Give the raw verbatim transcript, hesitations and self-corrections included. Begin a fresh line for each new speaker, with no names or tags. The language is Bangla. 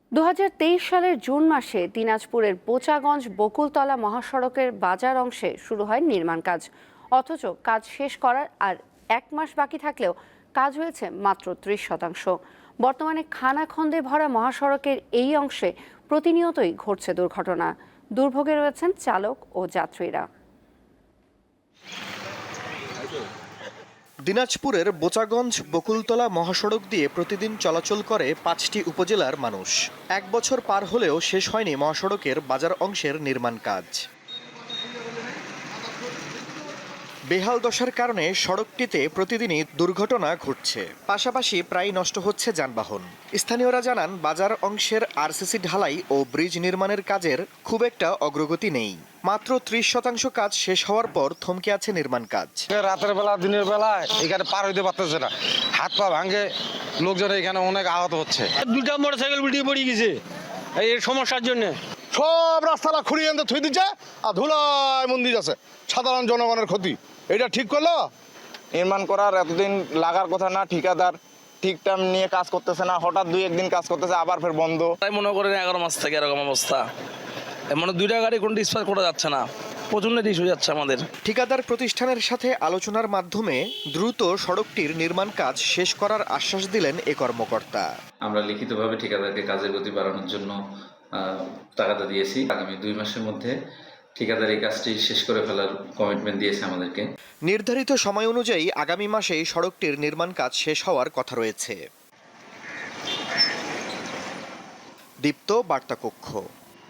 দু হাজার তেইশ সালের জুন মাসে দিনাজপুরের বোচাগঞ্জ বকুলতলা মহাসড়কের বাজার অংশে শুরু হয় নির্মাণ কাজ। অথচ কাজ শেষ করার আর এক মাস বাকি থাকলেও কাজ হয়েছে মাত্র ত্রিশ শতাংশ। বর্তমানে খানাখন্দে ভরা মহাসড়কের এই অংশে প্রতিনিয়তই ঘটছে দুর্ঘটনা। দুর্ভোগে রয়েছেন চালক ও যাত্রীরা।
দিনাজপুরের বোচাগঞ্জ বকুলতলা মহাসড়ক দিয়ে প্রতিদিন চলাচল করে পাঁচটি উপজেলার মানুষ। এক বছর পার হলেও শেষ হয়নি মহাসড়কের বাজার অংশের নির্মাণ কাজ। বেহাল দশার কারণে সড়কটিতে প্রতিদিনই দুর্ঘটনা ঘটছে, পাশাপাশি প্রায় নষ্ট হচ্ছে যানবাহন। স্থানীয়রা জানান, বাজার অংশের আরসিসি ঢালাই ও ব্রিজ নির্মাণের কাজের খুব একটা অগ্রগতি নেই। মাত্র ত্রিশ শতাংশ কাজ শেষ হওয়ার পর থমকে আছে নির্মাণ কাজ।
রাতের বেলা দিনের বেলা এখানে পার হইতে পারতেছে না, হাত পা ভাঙে লোকজন এখানে অনেক আহত হচ্ছে।
দুটা মোটরসাইকেল উল্টে পড়ে গেছে এই সমস্যার জন্য।
সব রাস্তাটা খুঁড়িয়ে আনতে থুই দিচ্ছে আর ধুলায় মন্দির আছে, সাধারণ জনগণের ক্ষতি। এটা ঠিক করলো?
নির্মাণ করার এতদিন লাগার কথা না, ঠিকাদার ঠিক টাইম নিয়ে কাজ করতেছে না, হঠাৎ দুই একদিন কাজ করতেছে আবার ফের বন্ধ।
তাই মনে করেন এগারো মাস থেকে এরকম অবস্থা, মানে দুইটা গাড়ি কোনো ডিসপাস করা যাচ্ছে না, প্রচন্ড ইস্যু যাচ্ছে আমাদের।
ঠিকাদার প্রতিষ্ঠানের সাথে আলোচনার মাধ্যমে দ্রুত সড়কটির নির্মাণ কাজ শেষ করার আশ্বাস দিলেন এ কর্মকর্তা।
আমরা লিখিতভাবে ঠিকাদারকে কাজের গতি বাড়ানোর জন্য টাকাটা দিয়েছি। আগামী দুই মাসের মধ্যে ঠিকাদার এই কাজটি শেষ করে ফেলার কমিটমেন্ট দিয়েছে আমাদেরকে।
নির্ধারিত সময় অনুযায়ী আগামী মাসেই সড়কটির নির্মাণ কাজ শেষ হওয়ার কথা রয়েছে। দীপ্ত বার্তা কক্ষ।